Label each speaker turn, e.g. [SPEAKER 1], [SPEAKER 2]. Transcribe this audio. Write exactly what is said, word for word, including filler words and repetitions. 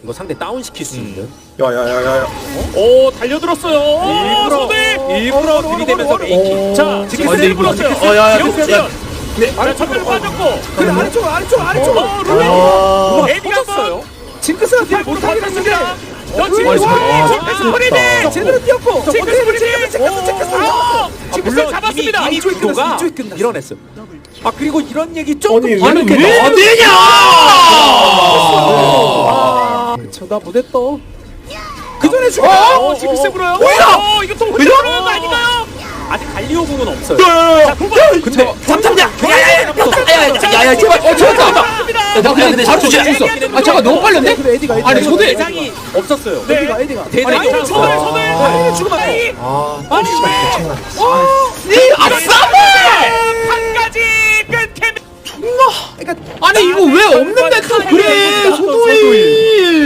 [SPEAKER 1] 이거 상대 다운 시킬 수 있는.
[SPEAKER 2] 야야야야야.
[SPEAKER 3] 오 달려들었어요.
[SPEAKER 1] 일부러
[SPEAKER 3] 소대.
[SPEAKER 1] 일부러 들이대면서 메이킹.
[SPEAKER 3] 자 지금
[SPEAKER 2] 어, 근데
[SPEAKER 3] 세이브
[SPEAKER 2] 이거
[SPEAKER 3] 불었어요.
[SPEAKER 2] 어, 야, 야,
[SPEAKER 3] 영지연.
[SPEAKER 2] 네.
[SPEAKER 3] 자 전멸 빠졌고.
[SPEAKER 4] 그래 아래쪽 아래쪽 아래쪽.
[SPEAKER 3] 어 루이.
[SPEAKER 2] 아.
[SPEAKER 3] 에디 한번.
[SPEAKER 4] 징크스가 뒤에
[SPEAKER 3] 팔보로
[SPEAKER 4] 못하긴 했는데.
[SPEAKER 3] 받았습니다. 너 지금
[SPEAKER 2] 아니, 아,
[SPEAKER 3] 징크스
[SPEAKER 2] 진짜.
[SPEAKER 3] 버리네.
[SPEAKER 4] 제대로 뛰었고.
[SPEAKER 3] 징크스 버리네.
[SPEAKER 4] 징크스 징크스.
[SPEAKER 3] 아, 징크스
[SPEAKER 1] 물론
[SPEAKER 3] 잡았습니다.
[SPEAKER 1] 이미, 이미
[SPEAKER 4] 이쪽이
[SPEAKER 1] 구도가
[SPEAKER 4] 끝났어, 이쪽이 끝났어.
[SPEAKER 1] 밀어냈어. 아 그리고 이런 얘기 좀
[SPEAKER 2] 아니
[SPEAKER 1] 더
[SPEAKER 2] 얘는
[SPEAKER 1] 많게
[SPEAKER 2] 왜
[SPEAKER 1] 나와.
[SPEAKER 2] 어디냐?
[SPEAKER 4] 아, 그쵸 나 무대 떠. 그 전에 죽어.
[SPEAKER 3] 어, 징크스 불어요.
[SPEAKER 2] 뭐야?
[SPEAKER 3] 어, 이거 또 혼자 불어는 거 아닌가요?
[SPEAKER 1] 아직 갈리오궁은 없어요.
[SPEAKER 2] 야야야.
[SPEAKER 1] 근데
[SPEAKER 2] 잠잠자. 야야야야야 제발. 어 잡았다. 야, 나 그냥 근데 잡주지 않았어. 아 잠깐 너무 빨렸네.
[SPEAKER 4] 그래 에디가 에디가.
[SPEAKER 2] 아니, 소대.
[SPEAKER 1] 대장이 없었어요.
[SPEAKER 3] 네.
[SPEAKER 4] 에디가 에디가.
[SPEAKER 1] 대장이
[SPEAKER 3] 아니,
[SPEAKER 1] 없었어.
[SPEAKER 3] 손을 손을.
[SPEAKER 4] 아니 죽으면 안 돼.
[SPEAKER 2] 아.
[SPEAKER 1] 아니
[SPEAKER 2] 니 아싸!
[SPEAKER 3] 한 가지 끊게.
[SPEAKER 2] 아니 이거 왜 없는데 또 그래 소도이.